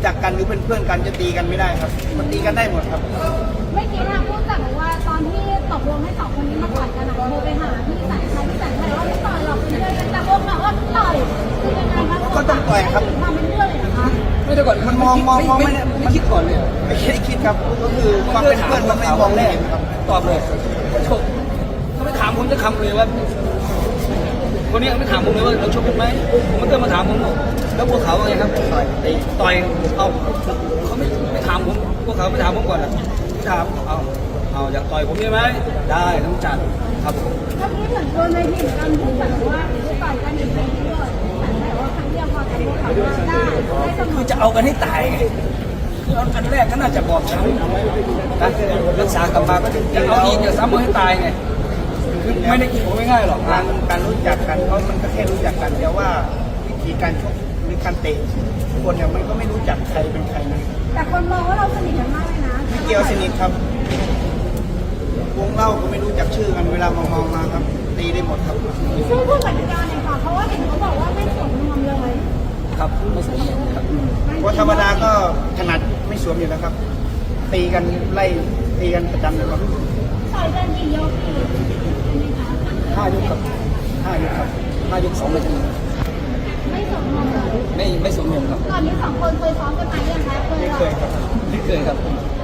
จักกันหรือเป็นเพื่อนกันจะตีกันไม่ได้ครับมันตีกันได้หมดครับเมื่อกี้ทางผู้จัดบอกว่าตอนที่ตกลงให้สองคนนี้มาต่อยกันโทรไปหาพี่แสนชัยว่าไม่ต่อยหรอกเป็นเพื่อนกันแต่พวกเราก็ต่อยคือยังไงคะก็ต้องต่อยครับทำเป็นเรื่องเลยนะคะไม่ได้ก่อนมันมองไม่คิดก่อนเลยไม่คิดครับก็คือความเป็นเพื่อนมันไม่มองแรกครับตอบเลยชกเขาไม่ถามผมจะคำเลยว่าคนนี้ไม่ถามผมเลยว่าเราชกกันไหมมันก็มาถามผมแล้วพวกเขาว่าไงครับต่อยเอาเขาไม่ถามผมพวกเขาไม่ถามผมก่อนนะถามเอาอยากต่อยผมใช่ไหมได้ต้องจัดครับผมถ้าพี่เหมือนโดนในทีมกันผู้จัดว่าต่อยกันอีกไม่เยอะแต่ว่าครั้งเดียวพอแต่พวกเขาได้คือจะเอากันให้ตายไงอันแรกก็น่าจะบอกช้ำรักษากลับมาก็จะเอาอีกจะซ้ำมาให้ตายไงคือไม่ได้กินผมไม่ง่ายหรอกการรู้จักกันเพราะมันก็แค่รู้จักกันแต่ว่าวิธีการชกหรือการเตะคนเนี่ยมันก็ไม่รู้จักใครเป็นใครนะแต่คนมองว่าเราสนิทกันมากเลยนะไม่เกี่ยวสนิทครับวงเล่าก็ไม่รู้จักชื่อกันเวลามองมาครับตีได้หมดครับชื่อผู้จัดการเนี่ยค่ะเพราะว่าเห็นเขาบอกว่าไม่สวมนวมเลยครับไม่สวมนวมครับเพราะธรรมดาก็ถนัดไม่สวมอยู่แล้วครับตีกันไล่ตีกันประจำเลยครับต่อยกันกี่ยก 5 ยกครับ5 ยกครับ5 ยก2 นาทีไม่สวมนวมเลยไม่สวมนวมครับตอนนี้2 คนเคยซ้อมกันไหมยังคะเคยครับไม่เคยครับ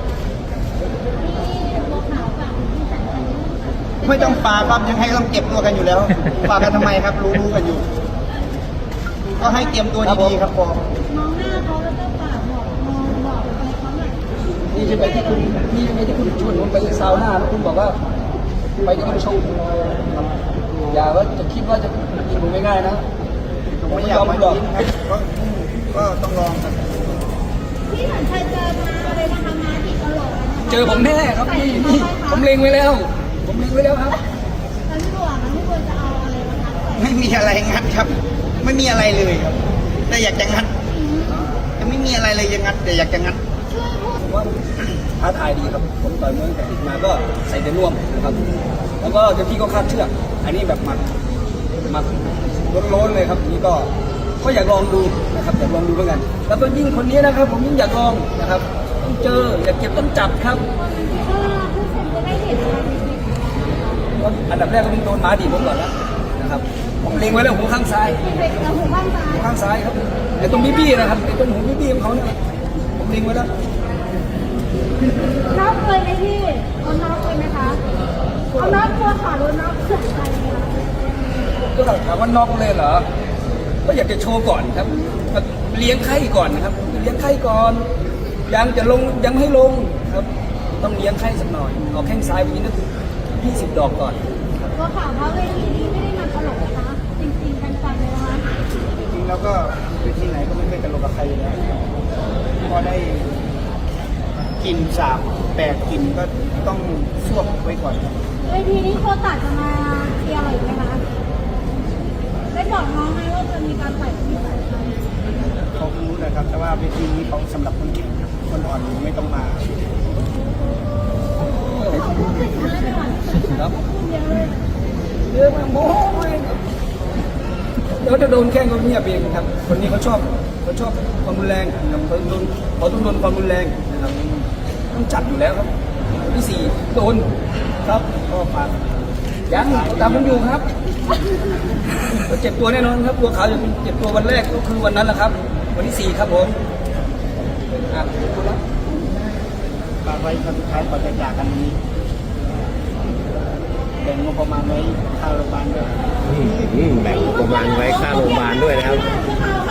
ไม่ต้องปาครับยังให้ต้องเก็บตัวกันอยู่แล้วปากันทำไมครับรู้กันอยู่ก็ให้เตรียมตัวดีๆครับพอมองหน้าเขาแล้วก็ปากบอกอะไรเขาหน่อยนี่ใช่ไหมที่คุณชวนผมไปซาวน่าแล้วคุณบอกว่าไปจะต้องชมอย่าว่าจะคิดว่าจะกินผมง่ายๆนะผมไม่ยอมหรอกก็ต้องลองครับพี่เหมือนเคยเจอมาเลยนะคะมาที่ตลอดเจอผมแน่ครับนี่ผมเล็งไว้แล้วครับแล้วพี่บัวจะเอาอะไรมาทักไม่มีอะไรงัดครับไม่มีอะไรเลยครับแต่อยากจะงัดจะไม่มีอะไรเลยยังงัดแต่อยากจะงัดว่าท้าทายดีครับผมต่อยมวยแต่ติดมาก็ใส่แต่น่วมนะครับแล้วก็เจ้าที่ก็คาดเชือกอันนี้แบบมัดล้นเลยครับนี่ก็อยากลองดูนะครับอยากลองดูเหมือนกันแล้วก็ยิ่งคนนี้นะครับผมยิ่งอยากลองนะครับต้องเจออยากเก็บต้องจับครับอันดับแรกก็ต้องโดนม้าดีผมก่อนแล้วนะครับผมเล็งไว้แล้วหูข้างซ้ายข้างซ้ายครับไอ้ตรงบี้นะครับไอ้ตรงหูบี้ของเขาเนี่ยผมเล็งไว้แล้วน็อกเลยไหมพี่เอาน็อกเลยไหมคะเอาน็อกตัวขาโดนน็อกเสียใจไหมก็ถามว่าน็อกเลยเหรอก็อยากจะโชว์ก่อนครับเลี้ยงไข้ก่อนนะครับเลี้ยงไข้ก่อนยังจะลงยังให้ลงครับต้องเลี้ยงไข้สักหน่อยเอาแข้งซ้ายไปนิดนึง20 ดอกก่อนตัวข่าวว่าเวทีนี้ไม่ได้มาตลกนะคะจริงๆกันเลยนะคะจริงๆแล้วก็เวทีไหนก็ไม่เคยตลกกับใครอยู่แล้วพอได้กิน3 8กินก็ต้องสวบไว้ก่อนเวทีนี้โคตัดจะมาเชียร์อะไรไหมคะได้บอกน้องไหมว่าจะมีการใส่ที่ใส่ใครเขารู้นะครับแต่ว่าเวทีนี้เขาสำหรับคนเก่งคนอ่อนไม่ต้องมาครับเยอะมากโม้เดี๋ยวจะโดนแข้งก็เงียบเองครับคนนี้เขาชอบความรุนแรงครับเขาต้องโดนความรุนแรงนะครับต้องจัดอยู่แล้วครับที่4โดนครับก็ฝากยังตามผมอยู่ครับเจ็บตัวแน่นอนครับตัวเขาจะเป็นเจ็บตัววันแรกก็คือวันนั้นแหละครับวันที่4ครับผมฝากไว้ครั้งสุดท้ายก่อนจะจากกันนี้แบ่งงบประมาณไว้ค่าโรงพยาบาลด้วยแบ่งงบประมาณไว้ค่าโรงพยาบาลด้วยนะครับ